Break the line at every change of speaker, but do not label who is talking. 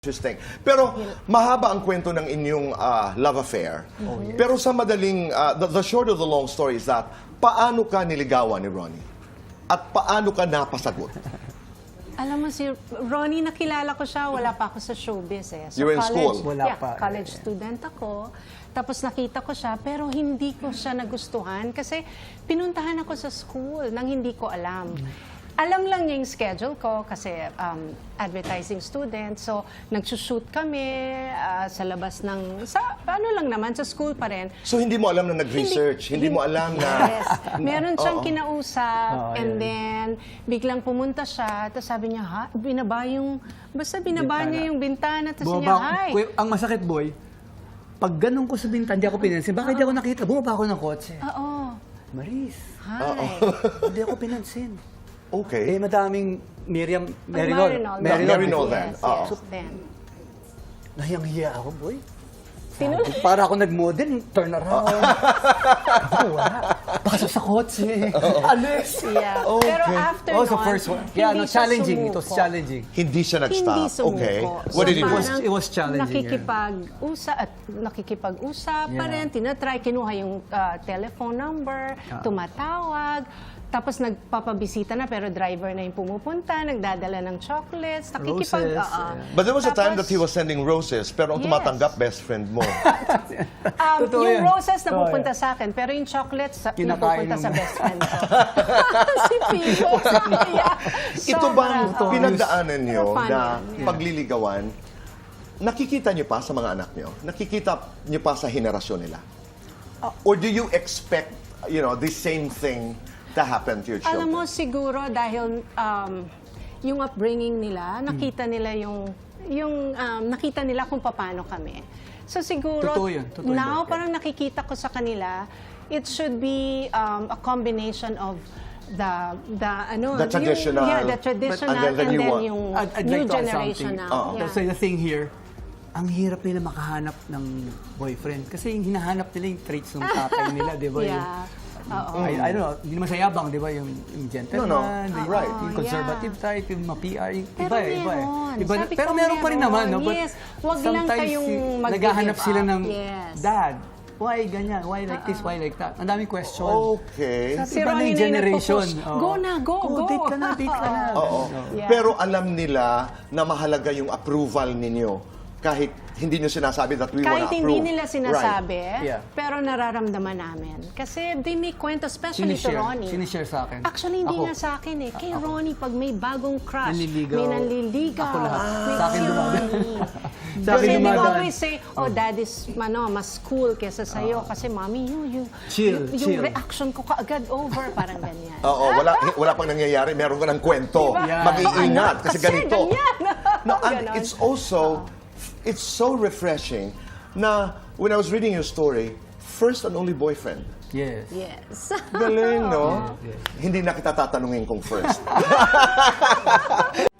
Interesting. Pero mahaba ang kwento ng inyong love affair. Pero sa madaling, the short of the long story is that, paano ka niligawan ni Ronnie? At paano ka napasagot?
Alam mo, si Ronnie, nakilala ko siya, wala pa ako sa showbiz eh.
You were in school?
Wala pa.
College student ako. Tapos nakita ko siya, pero hindi ko siya nagustuhan kasi pinuntahan ako sa school nang hindi ko alam. Alam lang niya yung schedule ko kasi advertising student. So, nagsushoot kami sa labas ng, ano lang naman, sa school pa rin.
So, hindi mo alam na nag-research? Hindi mo alam na...
Yes. Meron siyang kinausap and then biglang pumunta siya. Tapos sabi niya, ha? Binaba niya yung bintana. Tapos niya, hi.
Ang masakit, boy, pag ganun ko sa bintana, hindi ako pinansin. Bakit hindi ako nakita? Bumaba ako ng kotse.
Oo.
Maris,
Hi.
hindi ako pinansin.
Okay.
Madaming Miriam,
Marinol.
Marinol
Yes,
then.
yes, then.
Nahiyang-hiya ako, boy. Para ako nag-model, turn around. Wala. Pasok sa kotse. Alis.
Yeah.
Okay.
Pero after
Oh,
nun,
so first one. Yeah,
hindi
no,
siya
challenging. It was
sumuko.
challenging.
Hindi siya nag-stop.
Hindi sumuko.
Okay.
So,
What did he do?
parang
It was challenging,
nakikipag-usap pa
Yeah.
rin, tinatry, kinuha yung telephone number, tumatawag, tapos nagpapabisita na pero driver na yung pumupunta, nagdadala ng chocolates,
Roses, yeah.
But there was a time that
Tapos,
he was sending roses, pero ang
Yes.
tumatanggap, best friend mo.
Totoo
yung
yan.
roses na
Totoo
pupunta sa akin, pero yung chocolates
Kinakain
pupunta
mo.
sa best friend ko. Si Pico. Yeah.
Ito bang
Sobra.
pinagdaanan niyo
Pero fun
na
yan.
pagliligawan, nakikita niyo pa sa mga anak niyo? Nakikita niyo pa sa henerasyon nila? Or do you expect, the same thing to happen to your children?
Alam mo, siguro dahil yung upbringing nila, nakita nila nakita nila kung paano kami. So siguro,
Totoo yun. Totoo
now
yun.
parang nakikita ko sa kanila, it should be a combination of the
traditional,
the traditional
and then the new one.
yung
I'd
new
like to add
generation
something.
now. Yeah.
So the thing here, ang hirap nila makahanap ng boyfriend. Kasi yung hinahanap nila yung traits ng tatay nila, di ba?
Yeah. Oo.
I don't know, hindi naman sa yabang, di ba? Yung gentleman,
No.
right.
Oo,
Yung conservative type, yung ma-PR, yung
Pero meron.
iba.
Sabi
Pero
ko,
meron pa rin naman, no? But
Yes. Wag lang
sometimes
kayong mag-give
naghahanap sila
up.
ng,
Yes.
Dad, why ganyan? Why like this? Why like that? Ang daming question.
Okay.
Si
Iba na
Ronnie
yung
na yung
generation.
nagpo-push. Go na, go.
Date ka na, date ka na.
Oo.
Yeah.
Pero alam nila na mahalaga yung approval ninyo. Kahit hindi nyo sinasabi that we wanna
Kahit
approve.
hindi nila sinasabi,
Yeah.
pero nararamdaman namin. Kasi they make kwento, especially to Ronnie.
Sinishare sa akin.
Actually, hindi
Ako.
nga sa akin eh. Kay Ronnie, pag may bagong crush,
Nanliligaw.
may nanliligaw.
Ako lahat.
may
Sa akin
si
dumadaan.
Ronnie.
Sa akin
Kasi they
dumadaan.
always say, oh, dad is mas cool kesa sa'yo. Kasi mommy,
Chill,
yung
chill.
reaction ko kaagad over. Parang ganyan.
Oo, wala pang nangyayari. Meron ka ng kwento.
Yeah.
Mag-iingat kasi ganito.
ganyan.
No, and
Ganon.
it's so refreshing na when I was reading your story, first and only boyfriend.
Yes.
Yes.
Galing, no? Hindi na kita tatanungin kung first.